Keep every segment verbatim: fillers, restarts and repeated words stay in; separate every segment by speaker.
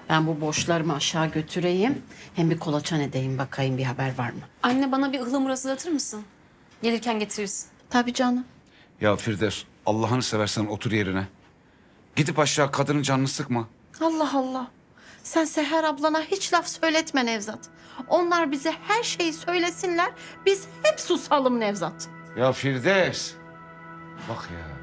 Speaker 1: Ben bu borçlarımı aşağı götüreyim. Hem bir kolaçan edeyim bakayım bir haber var mı?
Speaker 2: Anne bana bir ıhlamur hazırlatır mısın? Gelirken getirirsin.
Speaker 1: Tabii canım.
Speaker 3: Ya Firdevs, Allah'ını seversen otur yerine. Gidip aşağı kadının canını sıkma.
Speaker 1: Allah Allah. Sen Seher ablana hiç laf söyletme Nevzat. Onlar bize her şeyi söylesinler. Biz hep susalım Nevzat.
Speaker 3: Ya Firdevs. Bak ya.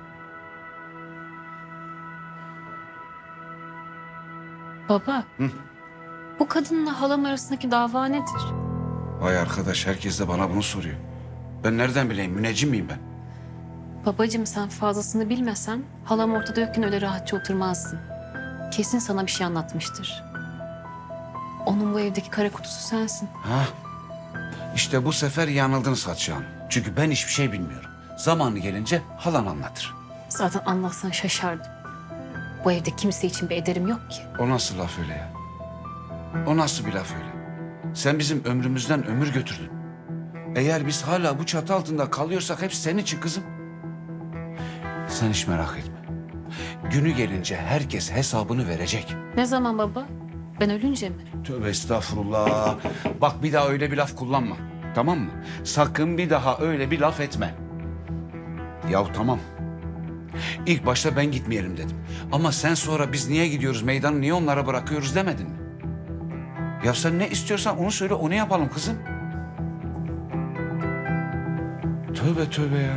Speaker 2: Baba. Bu kadınla halam arasındaki dava nedir?
Speaker 3: Vay arkadaş, herkes de bana bunu soruyor. Ben nereden bileyim, müneccim miyim ben?
Speaker 2: Babacığım sen fazlasını bilmesen halam ortada yokken öyle rahatça oturmazdın. Kesin sana bir şey anlatmıştır. Onun bu evdeki kara kutusu sensin.
Speaker 3: Ha? İşte bu sefer yanıldınız Hatice Hanım. Çünkü ben hiçbir şey bilmiyorum. Zamanı gelince halan anlatır.
Speaker 2: Zaten anlatsan şaşardım. Bu evde kimse için bir ederim yok ki.
Speaker 3: O nasıl laf öyle ya? O nasıl bir laf öyle? Sen bizim ömrümüzden ömür götürdün. Eğer biz hala bu çatı altında kalıyorsak hep senin için kızım. Sen hiç merak etme. Günü gelince herkes hesabını verecek.
Speaker 2: Ne zaman baba? Ben ölünce mi?
Speaker 3: Tövbe estağfurullah. Bak bir daha öyle bir laf kullanma. Tamam mı? Sakın bir daha öyle bir laf etme. Yahu tamam. İlk başta ben gitmeyelim dedim. Ama sen sonra biz niye gidiyoruz, meydanı niye onlara bırakıyoruz demedin mi? Ya sen ne istiyorsan onu söyle, onu yapalım kızım. Tövbe tövbe ya.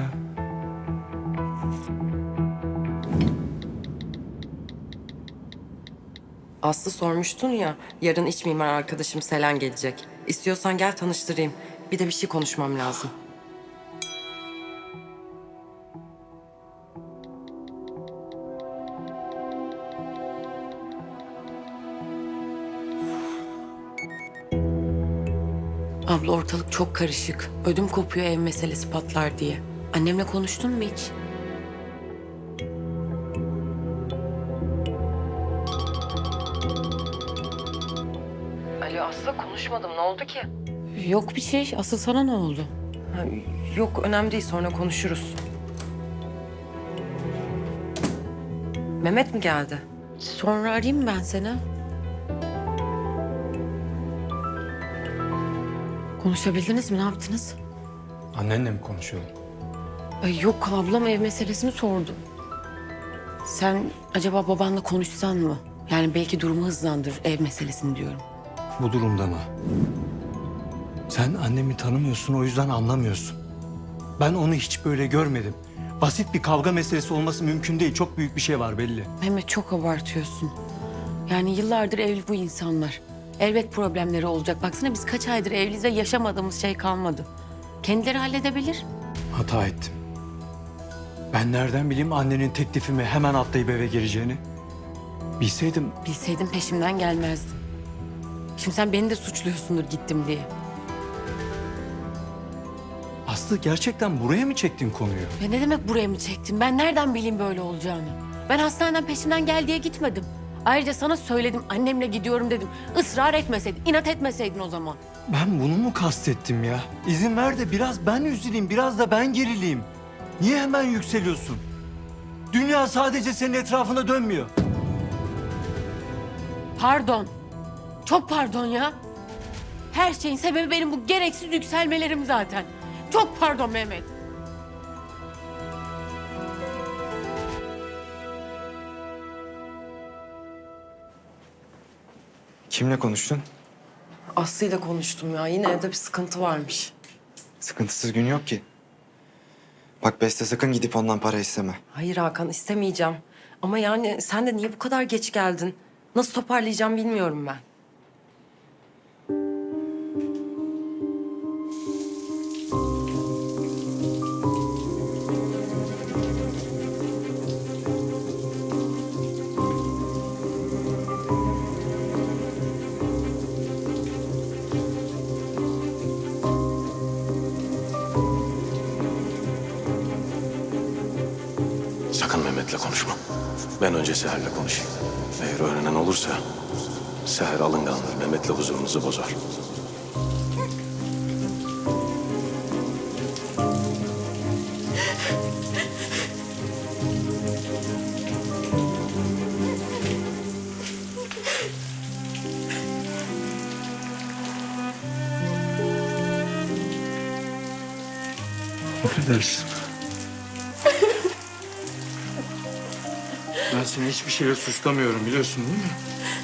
Speaker 4: Aslı sormuştun ya, yarın iç mimar arkadaşım Selen gelecek. İstiyorsan gel tanıştırayım. Bir de bir şey konuşmam lazım. Abla ortalık çok karışık. Ödüm kopuyor ev meselesi patlar diye. Annemle konuştun mu hiç? Alo Aslı konuşmadım. Ne oldu ki? Yok bir şey. Asıl sana ne oldu? Ha, yok önemli değil. Sonra konuşuruz. Mehmet mi geldi? Sonra arayayım ben seni. Konuşabildiniz mi? Ne yaptınız?
Speaker 5: Annenle mi konuşuyordun?
Speaker 4: Ay yok ablam ev meselesini sordu. Sen acaba babanla konuşsan mı? Yani belki durumu hızlandır ev meselesini diyorum.
Speaker 5: Bu durumda mı? Sen annemi tanımıyorsun, o yüzden anlamıyorsun. Ben onu hiç böyle görmedim. Basit bir kavga meselesi olması mümkün değil. Çok büyük bir şey var belli.
Speaker 4: Mehmet çok abartıyorsun. Yani yıllardır evli bu insanlar. Elbet problemleri olacak. Baksana biz kaç aydır evliyiz ve yaşamadığımız şey kalmadı. Kendileri halledebilir.
Speaker 5: Hata ettim. Ben nereden bileyim annenin teklifimi hemen atlayıp eve gireceğini? Bilseydim
Speaker 4: Bilseydim peşimden gelmezdin. Şimdi sen beni de suçluyorsundur gittim diye.
Speaker 5: Aslı gerçekten buraya mı çektin konuyu?
Speaker 4: Ya ne demek buraya mı çektin? Ben nereden bileyim böyle olacağını? Ben hastaneden peşimden gel diye gitmedim. Ayrıca sana söyledim, annemle gidiyorum dedim. Israr etmeseydin, inat etmeseydin o zaman.
Speaker 5: Ben bunu mu kastettim ya? İzin ver de biraz ben üzüleyim, biraz da ben gerileyim. Niye hemen yükseliyorsun? Dünya sadece senin etrafında dönmüyor.
Speaker 4: Pardon. Çok pardon ya. Her şeyin sebebi benim bu gereksiz yükselmelerim zaten. Çok pardon Mehmet.
Speaker 6: Kimle konuştun?
Speaker 4: Aslı'yla konuştum ya. Yine evde bir sıkıntı varmış.
Speaker 6: Sıkıntısız gün yok ki. Bak Beste sakın gidip ondan para isteme.
Speaker 4: Hayır Hakan istemeyeceğim. Ama yani sen de niye bu kadar geç geldin? Nasıl toparlayacağım bilmiyorum ben.
Speaker 7: Sakın Mehmet'le konuşma. Ben önce Seher'le konuşayım. Eğer öğrenen olursa Seher alıngandır. Mehmet'le huzurunuzu bozar.
Speaker 5: Affedersin. Ben seni hiçbir şeyle suçlamıyorum biliyorsun değil mi?